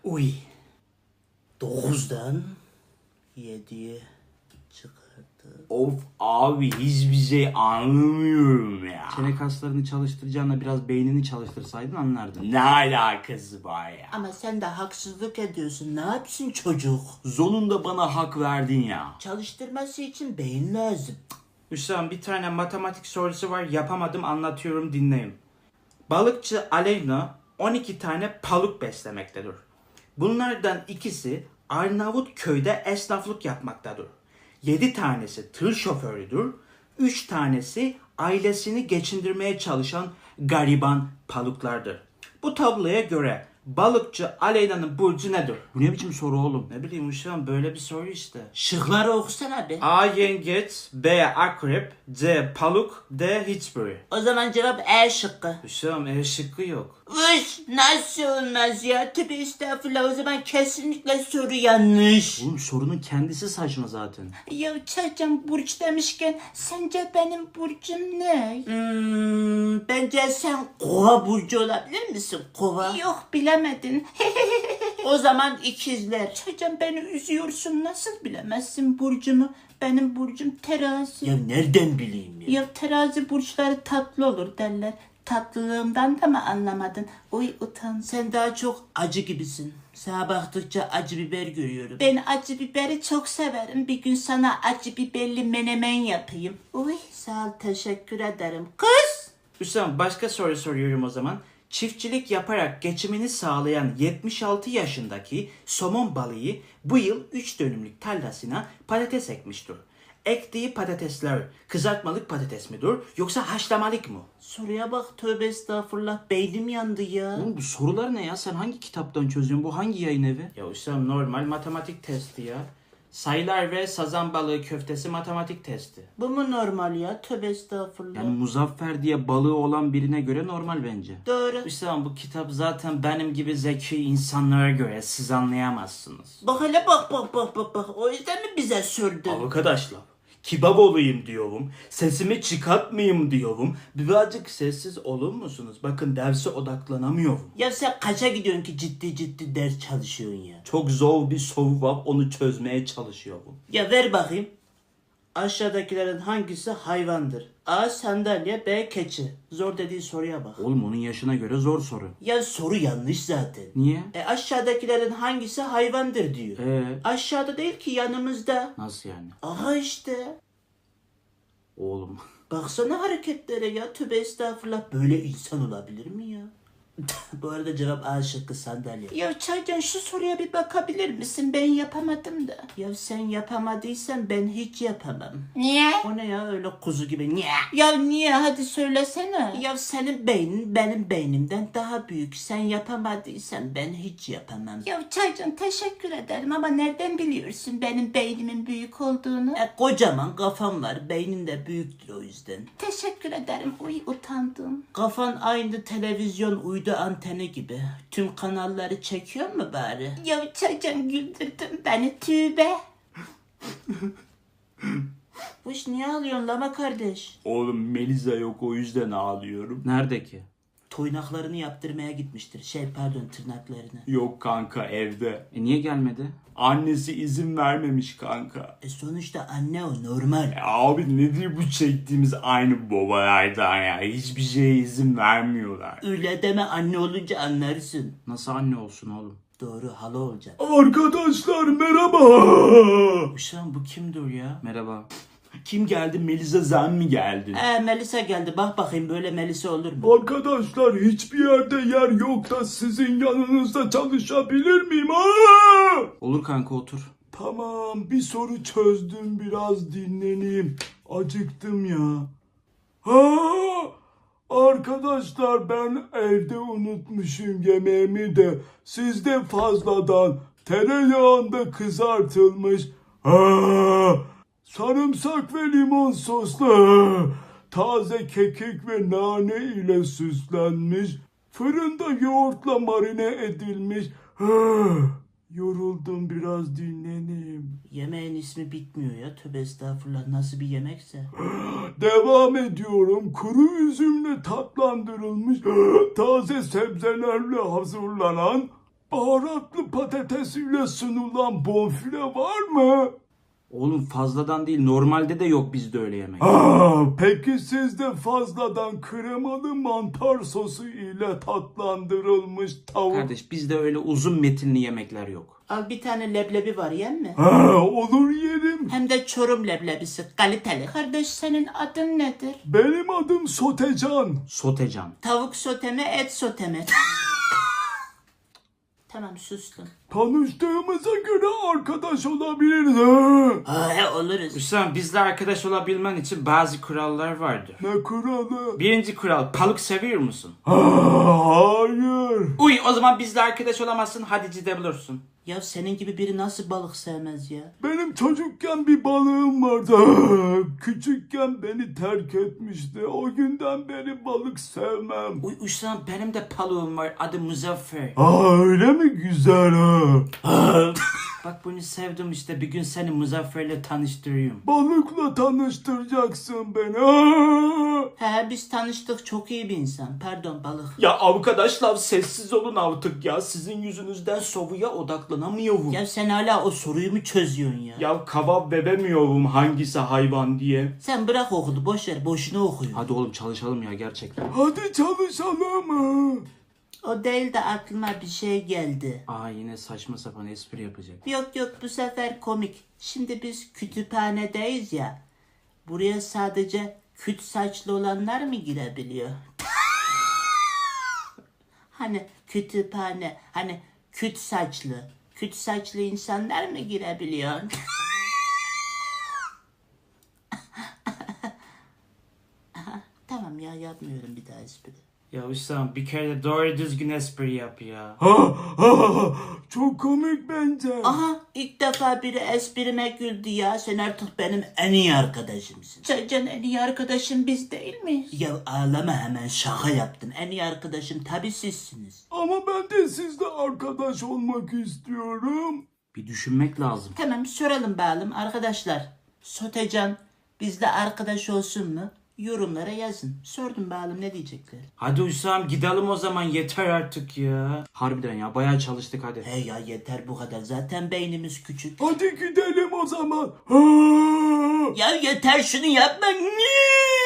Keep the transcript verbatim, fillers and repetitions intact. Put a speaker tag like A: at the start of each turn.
A: Uy. Dokuzdan yediye çıkardı.
B: Of abi hiçbir şey anlamıyorum ya.
C: Çene kaslarını çalıştıracağına biraz beynini çalıştırsaydın anlardın.
B: Ne alakası var ya?
A: Ama sen de haksızlık ediyorsun. Ne yapsın çocuk?
B: Sonunda bana hak verdin ya.
A: Çalıştırması için beyin lazım.
C: Hüsam bir tane matematik sorusu var yapamadım anlatıyorum dinleyin. Balıkçı Aleyna on iki tane paluk beslemektedir. Bunlardan ikisi Arnavutköy'de esnaflık yapmaktadır. yedi tanesi tır şoförüdür. üç tanesi ailesini geçindirmeye çalışan gariban paluklardır. Bu tabloya göre balıkçı Aleyna'nın burcu nedir? Bu ne biçim soru oğlum? Ne bileyim Hüsam böyle bir soru işte.
A: Şıkları okusana be.
C: A. Yengeç, B. Akrep, C. Paluk, D. Hiçbiri.
A: O zaman cevap E şıkkı.
C: Hüsam E şıkkı yok.
A: Üş, nasıl olmaz ya? Tövbe estağfurullah, o zaman kesinlikle soru yanlış.
C: Oğlum sorunun kendisi saçma zaten.
A: Ya Çaycan, burç demişken sence benim burcum ne? Hmm, bence sen kova burcu olabilir misin? Kova. Yok, bilemedin. O zaman ikizler. Çaycan, beni üzüyorsun, nasıl bilemezsin burcumu? Benim burcum terazi. Ya nereden bileyim ya? Ya terazi burçları tatlı olur derler. Tatlılığımdan da mı anlamadın? Oy utan. Sen daha çok acı gibisin. Sana baktıkça acı biber görüyorum. Ben acı biberi çok severim. Bir gün sana acı biberli menemen yapayım. Oy sağ ol, teşekkür ederim. Kız!
C: Hüsam başka soru soruyorum o zaman. Çiftçilik yaparak geçimini sağlayan yetmiş altı yaşındaki somon balığı bu yıl üç dönümlük tarlasına patates ekmiştir. Ektiği patatesler kızartmalık patates midir yoksa haşlamalık mı?
A: Soruya bak, tövbe estağfurullah, beynim yandı ya.
C: Oğlum bu sorular ne ya? Sen hangi kitaptan çözüyorsun? Bu hangi yayın evi? Ya Hüsam normal matematik testi ya. Sayılar ve sazan balığı köftesi matematik testi.
A: Bu mu normal ya? Tövbe estağfurullah.
C: Yani Muzaffer diye balığı olan birine göre normal bence.
A: Doğru.
C: Hüsam bu kitap zaten benim gibi zeki insanlara göre, siz anlayamazsınız.
A: Bak hele, bak bak bak bak bak. O yüzden mi bize sürdün?
B: Arkadaşlar kebap olayım diyorum. Sesimi çıkartmayayım diyorum. Birazcık sessiz olur musunuz? Bakın derse odaklanamıyorum.
A: Ya sen kaça gidiyorsun ki ciddi ciddi ders çalışıyorsun ya?
B: Çok zor bir soru var, onu çözmeye çalışıyorum.
A: Ya ver bakayım. Aşağıdakilerin hangisi hayvandır? A. Sandalye, B. Keçi. Zor dediği soruya bak.
C: Oğlum onun yaşına göre zor soru.
A: Ya soru yanlış zaten.
C: Niye?
A: E aşağıdakilerin hangisi hayvandır diyor.
C: Ee,
A: Aşağıda değil ki, yanımızda.
C: nasıl yani?
A: Aha işte.
C: Oğlum.
A: Baksana hareketlere ya, tövbe estağfurullah, böyle insan olabilir mi ya? Bu arada cevap A şıkkı, sandalye. Ya Çaycan, şu soruya bir bakabilir misin? Ben yapamadım da. Ya sen yapamadıysan ben hiç yapamam. Niye? O ne ya öyle kuzu gibi? Niye? Ya niye? Hadi söylesene. Ya senin beynin benim beynimden daha büyük. Sen yapamadıysan ben hiç yapamam. Ya Çaycan, teşekkür ederim ama nereden biliyorsun benim beynimin büyük olduğunu? E, kocaman kafam var. Beynin de büyüktür o yüzden. Teşekkür ederim. Uy, utandım. Kafan aynı televizyon uydu anteni gibi. Tüm kanalları çekiyor mu bari? Ya Çaycan, güldürdün beni, tübe. Bu iş niye ağlıyorsun lama kardeş?
B: Oğlum Melisa yok, o yüzden ağlıyorum.
C: Nerede ki?
A: Toynaklarını yaptırmaya gitmiştir. Şey pardon, tırnaklarını.
B: Yok kanka, evde.
C: E niye gelmedi?
B: Annesi izin vermemiş kanka.
A: E sonuçta anne o, normal.
B: E abi nedir bu çektiğimiz aynı babalardan ya? Hiçbir şeye izin vermiyorlar.
A: Öyle deme, anne olunca anlarsın.
C: Nasıl anne olsun oğlum?
A: Doğru, hala olacak.
B: Arkadaşlar merhaba.
A: Uşağım, bu kimdir ya?
C: Merhaba.
B: Kim geldi? Melisa sen mi geldin?
A: Ee Melisa geldi, bak bakayım böyle Melisa olur mu?
B: Arkadaşlar hiçbir yerde yer yok da sizin yanınızda çalışabilir miyim? Aa!
C: Olur kanka otur.
B: Tamam, bir soru çözdüm, biraz dinleneyim. Acıktım ya. Ha! Arkadaşlar ben evde unutmuşum yemeğimi de, sizde fazladan tereyağında kızartılmış ha! sarımsak ve limon soslu taze kekik ve nane ile süslenmiş, fırında yoğurtla marine edilmiş. Ha! Yoruldum, biraz dinleneyim.
A: Yemeğin ismi bitmiyor ya, tövbe estağfurullah, nasıl bir yemekse.
B: Devam ediyorum. Kuru üzümle tatlandırılmış taze sebzelerle hazırlanan
D: Baharatlı patatesiyle sunulan bonfile var mı?
C: Oğlum fazladan değil, normalde de yok bizde öyle yemek.
D: Aa, peki sizde fazladan kremalı mantar sosu ile tatlandırılmış tavuk...
C: Kardeş bizde öyle uzun metinli yemekler yok.
A: Al bir tane leblebi var yen mi?
D: Ha, olur yerim.
A: Hem de Çorum leblebisi kaliteli. Kardeş senin adın nedir?
D: Benim adım Sotecan.
C: Sotecan.
A: Tavuk soteme et soteme. Tamam sustum.
D: Tanıştığımıza göre arkadaş olabiliriz. Ha?
A: Ha, he, oluruz.
C: Hüsam bizle arkadaş olabilmen için bazı kurallar vardır.
D: Ne kuralı?
C: Birinci kural, balık seviyor musun?
D: Ha, hayır.
C: Uy, o zaman bizle arkadaş olamazsın, hadi gidebilirsin.
A: Ya senin gibi biri nasıl balık sevmez ya?
D: Benim çocukken bir balığım vardı. Ha, küçükken beni terk etmişti. O günden beri balık sevmem.
C: Uy Hüsam benim de balığım var, adı Muzaffer.
D: Aa, öyle mi güzel ha?
C: Bak bunu sevdim işte, bir gün seni Muzaffer'le tanıştırayım.
D: Balıkla tanıştıracaksın beni. Ha?
A: He biz tanıştık, çok iyi bir insan. Pardon balık.
B: Ya arkadaşlar sessiz olun artık ya. Sizin yüzünüzden soruya odaklanamıyorum. Ya,
A: Ya sen hala o soruyu mu çözüyorsun ya?
B: ya kaba veremiyorum hangisi hayvan diye.
A: Sen bırak okulu boş ver, boşuna okuyor.
C: Hadi oğlum çalışalım ya gerçekten.
D: Hadi çalışalım. Ha?
A: O değil de aklıma bir şey geldi.
C: Aa yine saçma sapan espri yapacak.
A: Yok yok bu sefer komik. Şimdi biz kütüphanedeyiz ya. Buraya sadece küt saçlı olanlar mı girebiliyor? Hani kütüphane, hani küt saçlı, küt saçlı insanlar mı girebiliyor? Tamam ya, yapmıyorum bir daha espri.
C: Ya Hüsam bir kere de doğru düzgün espri yap ya.
D: Ha, ha, çok komik bence.
A: Aha ilk defa biri esprime güldü ya. Sen artık benim en iyi arkadaşımsın. Can en iyi arkadaşım biz değil miyiz? Ya ağlama hemen, şaka yaptın. En iyi arkadaşım tabii sizsiniz.
D: Ama ben de sizle arkadaş olmak istiyorum.
C: Bir düşünmek lazım.
A: Tamam soralım bakalım arkadaşlar. Sotecan bizle arkadaş olsun mu? Yorumlara yazın. Sordum bakalım ne diyecekler.
C: Hadi Hüsam gidelim o zaman, yeter artık ya. Harbiden ya bayağı çalıştık hadi.
A: He ya yeter bu kadar. Zaten beynimiz küçük.
D: Hadi gidelim o zaman. Ha!
A: Ya yeter şunu yapma. Niye?